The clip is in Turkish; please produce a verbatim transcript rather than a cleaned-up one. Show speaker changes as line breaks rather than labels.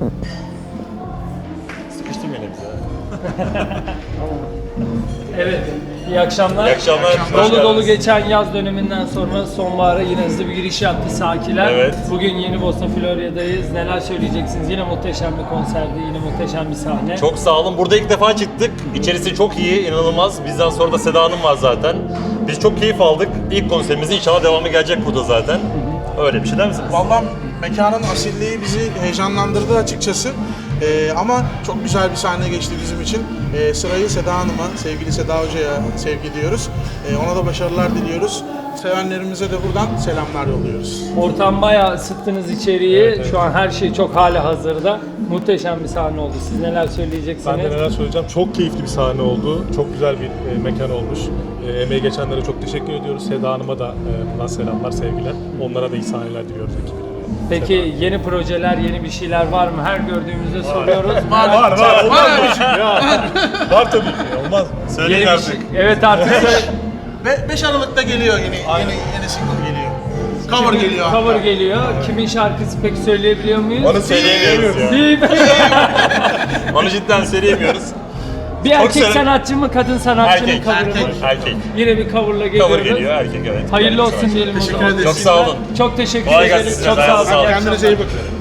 Sıkıştım yine bize.
Evet, iyi akşamlar.
İyi akşamlar.
Dolu dolu geçen yaz döneminden sonra sonbahara yine hızlı bir giriş yaptı Sakiler.
Evet.
Bugün Yeni Bosna Florya'dayız. Neler söyleyeceksiniz? Yine muhteşem bir konserdi, yine muhteşem bir sahne.
Çok sağ olun. Burada ilk defa çıktık. İçerisi çok iyi, inanılmaz. Bizden sonra da Seda Hanım var zaten. Biz çok keyif aldık. İlk konserimizin inşallah devamı gelecek burada zaten. Öyle bir şey der misiniz?
Vallahi mekanın asilliği bizi heyecanlandırdı açıkçası. Ee, ama çok güzel bir sahne geçti bizim için. Ee, sırayı Seda Hanım'a, sevgili Seda Hoca'ya sevgi diyoruz. Ee, ona da başarılar diliyoruz. Sevenlerimize de buradan selamlar yolluyoruz.
Ortam bayağı ısıttınız içeriği. Şu an her şey çok hali hazırda. Muhteşem bir sahne oldu. Siz neler söyleyeceksiniz?
Ben de neler söyleyeceğim. Çok keyifli bir sahne oldu. Çok güzel bir e, mekan olmuş. E, emeği geçenlere çok teşekkür ediyoruz. Seda Hanım'a da e, buradan selamlar, sevgiler. Onlara da iyi sahneler diliyoruz ekibine.
Peki yeni projeler, yeni bir şeyler var mı? Her gördüğümüzde soruyoruz.
Var var var. Olmaz mı? Ya, var tabii ki. Olmaz mı?
Söyleyin
Yeni bir
artık.
şey. Evet artık söyle.
Ve beş Aralık'ta geliyor yeni yeni yeni single geliyor. Cover geliyor. hatta.
Cover geliyor. Kimin şarkısı peki söyleyebiliyor muyuz?
Onu söyleyemiyoruz ya.
Değil mi?
Onu cidden söyleyemiyoruz.
Bir erkek
severim.
sanatçı mı, kadın sanatçının
Erkek,
cover'ı
erkek,
mı?
erkek.
Yine bir cover'la geliyoruz.
Cover geliyor, erkek evet.
Hayırlı olsun diyelim o
Teşekkür
zaman.
ederiz.
Çok sağ olun.
Çok teşekkür
Kolay
ederiz.
gelsin
Çok
size,
sağ olun.
ayağınıza sağlık.
İyi
Kendinize iyi
akşamlar.
bakın.